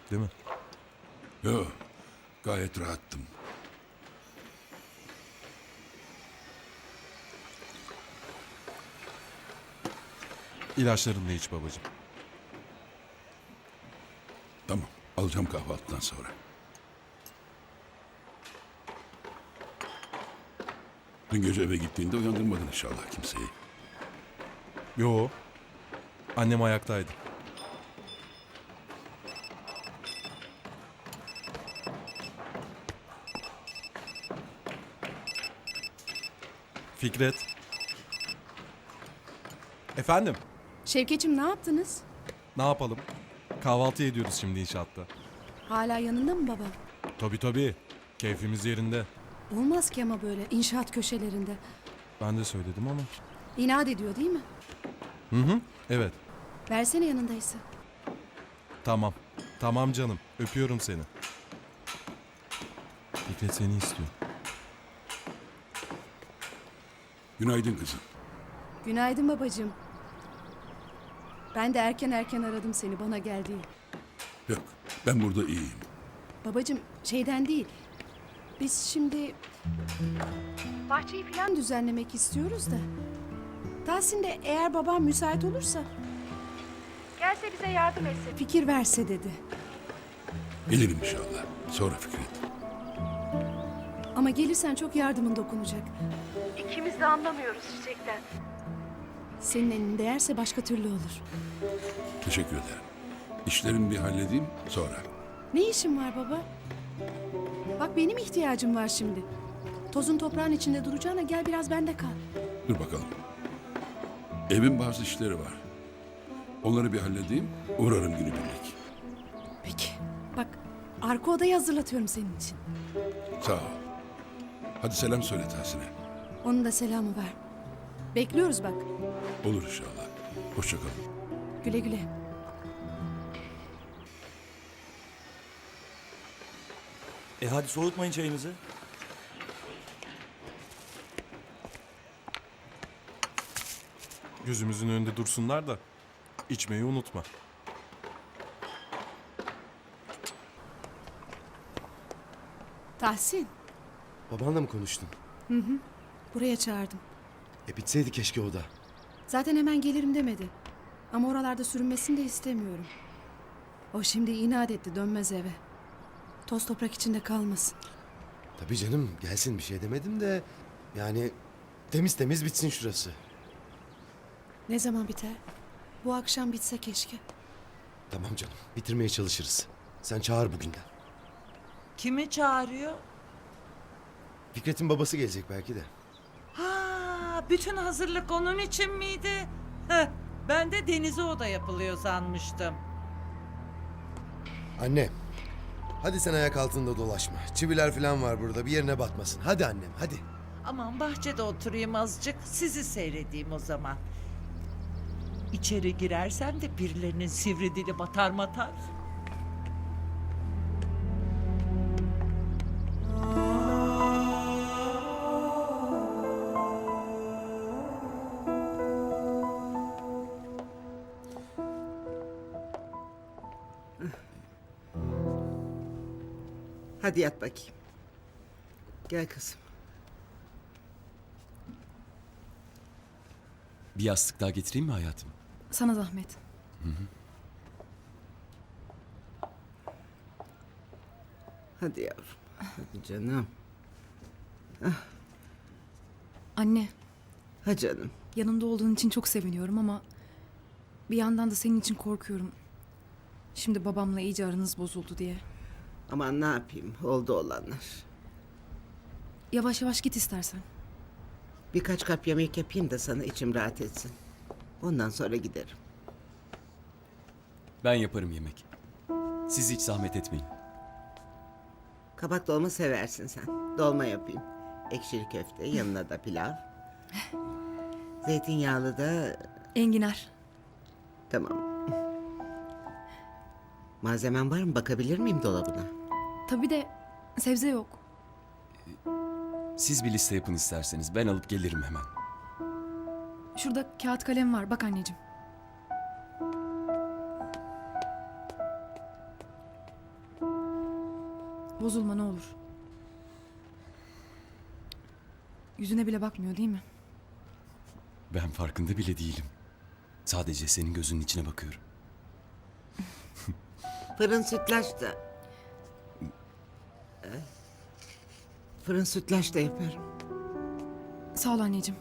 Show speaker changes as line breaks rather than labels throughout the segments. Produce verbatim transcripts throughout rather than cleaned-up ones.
değil mi?
Yo, gayet rahattım.
İlaçlarını da iç babacığım.
Tamam, alacağım kahvaltıdan sonra. Dün gece eve gittiğinde uyandırmadın inşallah kimseyi.
Yo. Annem ayaktaydı. Fikret. Efendim?
Şevket'im ne yaptınız?
Ne yapalım? Kahvaltı ediyoruz şimdi inşaatta.
Hala yanında mı baba?
Tabii tabii. Keyfimiz yerinde.
Olmaz ki ama böyle inşaat köşelerinde.
Ben de söyledim ama.
İnat ediyor değil mi?
Hı hı. Evet.
Versene yanındaysa.
Tamam. Tamam canım. Öpüyorum seni. Fikret seni istiyor.
Günaydın kızım.
Günaydın babacığım. Ben de erken erken aradım seni bana gel diye.
Yok, ben burada iyiyim.
Babacığım şeyden değil. Biz şimdi bahçeyi falan düzenlemek istiyoruz da. Tahsin de eğer babam müsait olursa gelse bize yardım etse, fikir verse dedi.
Gelirim inşallah. Sonra Fikret.
Ama gelirsen çok yardımın dokunacak. İkimiz de anlamıyoruz çiçekten. Senin elin değerse başka türlü olur.
Teşekkür ederim. İşlerimi bir halledeyim sonra.
Ne işin var baba? Bak benim ihtiyacım var şimdi. Tozun toprağın içinde duracağına gel biraz bende kal.
Dur bakalım. Evin bazı işleri var. Onları bir halledeyim, uğrarım günübirlik.
Peki. Bak arka odayı hazırlatıyorum senin için.
Sağ ol. Hadi selam söyle Tahsin'e.
Onun da selamı ver. Bekliyoruz bak.
Olur inşallah. Hoşça kalın.
Güle güle.
E hadi soğutmayın çayınızı.
Gözümüzün önünde dursunlar da içmeyi unutma.
Tahsin.
Babanla mı konuştun?
Buraya çağırdım.
E bitseydi keşke o da.
Zaten hemen gelirim demedi. Ama oralarda sürünmesini de istemiyorum. O şimdi inat etti dönmez eve. Toz toprak içinde kalmasın.
Tabii canım gelsin bir şey demedim de... Yani temiz temiz bitsin şurası.
Ne zaman biter? Bu akşam bitse keşke.
Tamam canım bitirmeye çalışırız. Sen çağır bugünden.
Kimi çağırıyor?
Fikret'in babası gelecek belki de.
Ha, bütün hazırlık onun için miydi? Heh, ben de denize oda yapılıyor sanmıştım.
Anne. Hadi sen ayak altında dolaşma. Çiviler falan var burada bir yerine batmasın. Hadi annem hadi.
Aman bahçede oturayım azıcık, sizi seyredeyim o zaman. İçeri girersem de birilerinin sivri dili batar matar.
Hadi yat bakayım. Gel kızım.
Bir yastık daha getireyim mi hayatım?
Sana zahmet.
Hadi yavrum. Hadi canım.
Anne,
Ha canım.
yanımda olduğun için çok seviniyorum ama bir yandan da senin için korkuyorum. Şimdi babamla iyice aranız bozuldu diye.
Aman ne yapayım oldu olanlar.
Yavaş yavaş git istersen.
Birkaç kap yemek yapayım da sana içim rahat etsin. Ondan sonra giderim.
Ben yaparım yemek. Siz hiç zahmet etmeyin.
Kabak dolma seversin sen. Dolma yapayım. Ekşili köfte yanına da pilav. Zeytinyağlı da
Enginar.
tamam. Malzemen var mı? Bakabilir miyim dolabına?
Tabii de sebze yok.
Siz bir liste yapın isterseniz. Ben alıp gelirim hemen.
Şurada kağıt kalem var. Bak anneciğim. Bozulma ne olur. Yüzüne bile bakmıyor değil mi?
Ben farkında bile değilim. Sadece senin gözünün içine bakıyorum.
Fırın sütlaç da... Ee, Fırın sütlaç da yaparım.
Sağ ol anneciğim.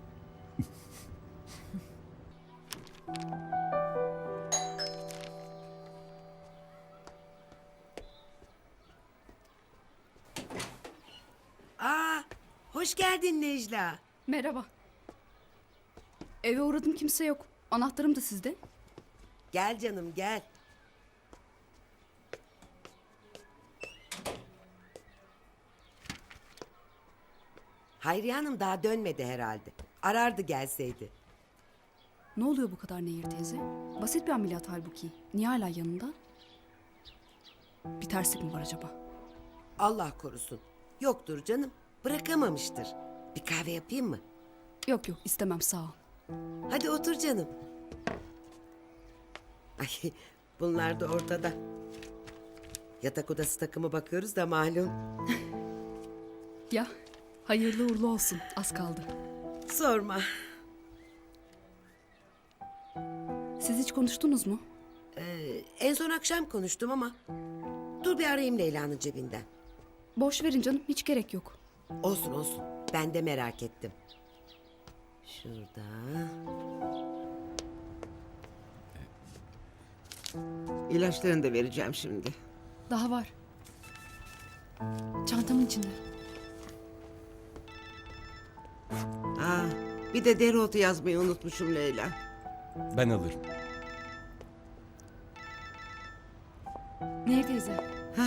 Aa, hoş geldin Necla.
Merhaba. Eve uğradım, kimse yok. Anahtarım da sizde.
Gel canım gel. Hayriye Hanım daha dönmedi herhalde. Arardı gelseydi.
Ne oluyor bu kadar Nehir teyze? Basit bir ameliyat halbuki. Niye hala yanında? Bir terslik mi var acaba?
Allah korusun. Yoktur canım. Bırakamamıştır. Bir kahve yapayım mı?
Yok yok, istemem, sağ ol.
Hadi otur canım. Ay, bunlar da ortada. Yatak odası takımı bakıyoruz da malum.
Ya, hayırlı uğurlu olsun. Az kaldı.
Sorma.
Siz hiç konuştunuz mu?
Ee, en son akşam konuştum ama... Dur bir arayayım Leyla'nın cebinden.
Boş verin canım, hiç gerek yok.
Olsun olsun. Ben de merak ettim. Şurada.
İlaçlarını da vereceğim şimdi.
Daha var. Çantamın içinde.
Aa, bir de dereotu yazmayı unutmuşum Leyla.
Ben alırım.
Nehir teyze.
Hah.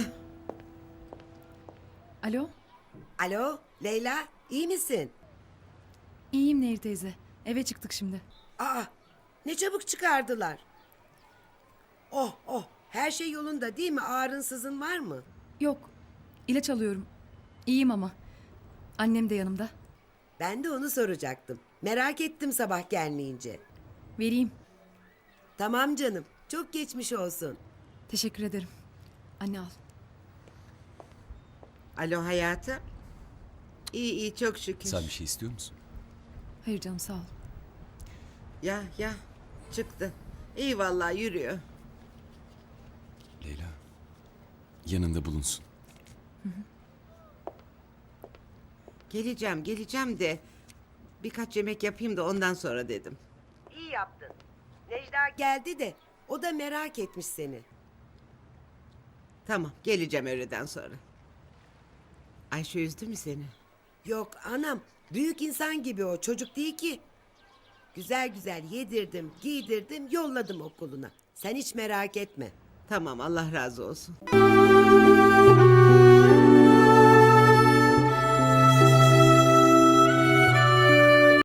Alo?
Alo Leyla, iyi misin?
İyiyim Nehir teyze. Eve çıktık şimdi.
Aa, ne çabuk çıkardılar. Oh oh, her şey yolunda değil mi? Ağrın sızın var mı?
Yok. İlaç alıyorum. İyiyim ama. Annem de yanımda.
Ben de onu soracaktım. Merak ettim sabah gelmeyince.
Vereyim.
Tamam canım, çok geçmiş olsun.
Teşekkür ederim. Anne al.
Alo hayatım. İyi iyi çok şükür.
Sen bir şey istiyor musun?
Hayır canım, sağ ol.
Ya ya çıktı. İyi vallahi yürüyor.
Leyla. Yanında bulunsun.
Geleceğim geleceğim de birkaç yemek yapayım da ondan sonra dedim.
İyi yaptın. Necla geldi de o da merak etmiş seni.
Tamam geleceğim öğleden sonra. Ayşe üzdü mü seni?
Yok anam, büyük insan gibi o, çocuk değil ki. Güzel güzel yedirdim, giydirdim, yolladım okuluna. Sen hiç merak etme.
Tamam Allah razı olsun.